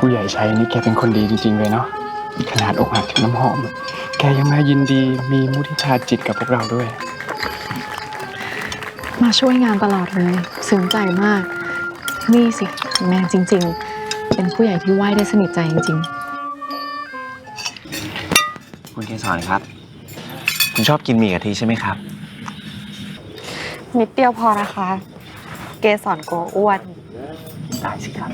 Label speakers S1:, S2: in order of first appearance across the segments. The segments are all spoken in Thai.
S1: ผู้ใหญ่ชัยนี่แกเป็นคนดีจริงๆเลยเนาะขนาดอกหักถึงน้ำหอมแกยังมายินดีมีมุทิตาจิตกับพวกเราด้วย
S2: มาช่วยงานตลอดเลยซึ้งใจมากนี่สิแมนจริงๆเป็นผู้ใหญ่ที่ไหว้ได้สนิทใจจริง
S3: คุณเกสรครับ คุณชอบกินหมี่กะทิใช่ไหมครับ
S4: นิดเดียวพอนะคะ เกสรกลัวอ้วน
S3: ได้สิครับ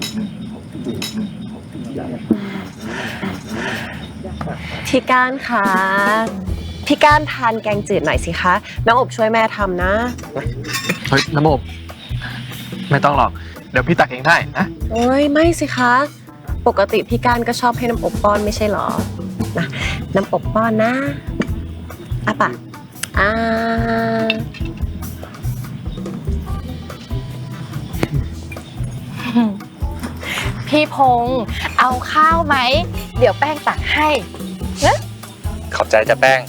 S4: พี่ก้านคะพี่ก้านทานแกงจืดหน่อยสิคะน้องอบช่วยแม่ทำนะ
S5: เฮ้ยน้ำอบไม่ต้องหรอกเดี๋ยวพี่ตักเองได้นะ
S4: โอ้ยไม่สิคะ ปกติพี่ก้านก็ชอบให้น้ำอบป้อนไม่ใช่หรอนะน้ำอบป้อนนะอ่ะปะอ่า
S2: พี่พงษ์เอาข้าวไหมเดี๋ยวแป้งตักให้นะ
S5: ขอบใจจะแป้ง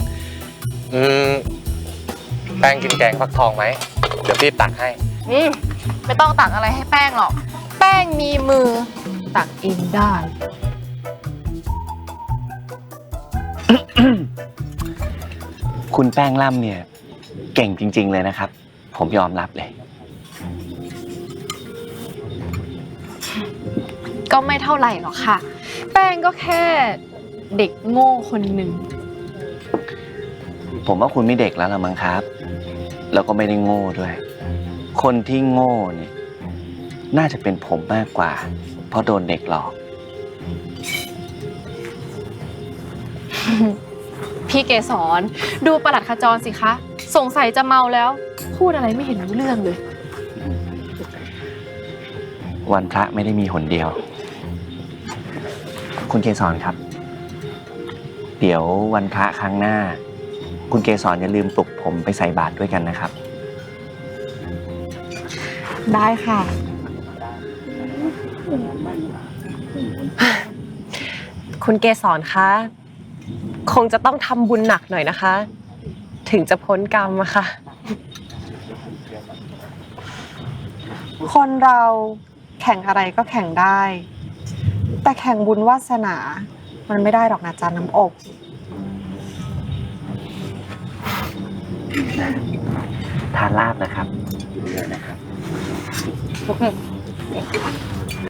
S5: แป้งกินแกงฟักทองไหมเดี๋ยวพี่ตักให้
S2: ไม่ต้องตักอะไรให้แป้งหรอกแป้งมีมือตักเองได้
S3: คุณแป้งล่ำเนี่ยเก่งจริงๆเลยนะครับ ผมยอมรับเลย
S2: ก็ไม่เท่าไหร่หรอกค่ะ แป้งก็แค่เด็กโง่คนหนึ่ง
S3: ผมว่าคุณไม่เด็กแล้วละมั้งครับ แล้วก็ไม่ได้โง่ด้วย คนที่โง่เนี่ยน่าจะเป็นผมมากกว่า เพราะโดนเด็กหลอก
S2: พี่เกสรดูประหลัดขจรสิคะสงสัยจะเมาแล้ว พูดอะไรไม่เห็นรู้เรื่องเลย
S3: วันพระไม่ได้มีหนเดียว คุณเกสรครับ เดี๋ยววันพระครั้งหน้า คุณเกสรอย่าลืมปลุกผมไปใส่บาตรด้วยกันนะครับ
S4: ได้ค่ะ คุณเกสรคะคงจะต้องทำบุญหนักหน่อยนะคะ ถึงจะพ้นกรรมอะค่ะ คนเราแข่งอะไรก็แข่งได้ แต่แข่งบุญวาสนา มันไม่ได้หรอกนะจ๊ะน้ำอบ
S3: ทานลาบนะครับ
S4: โอเค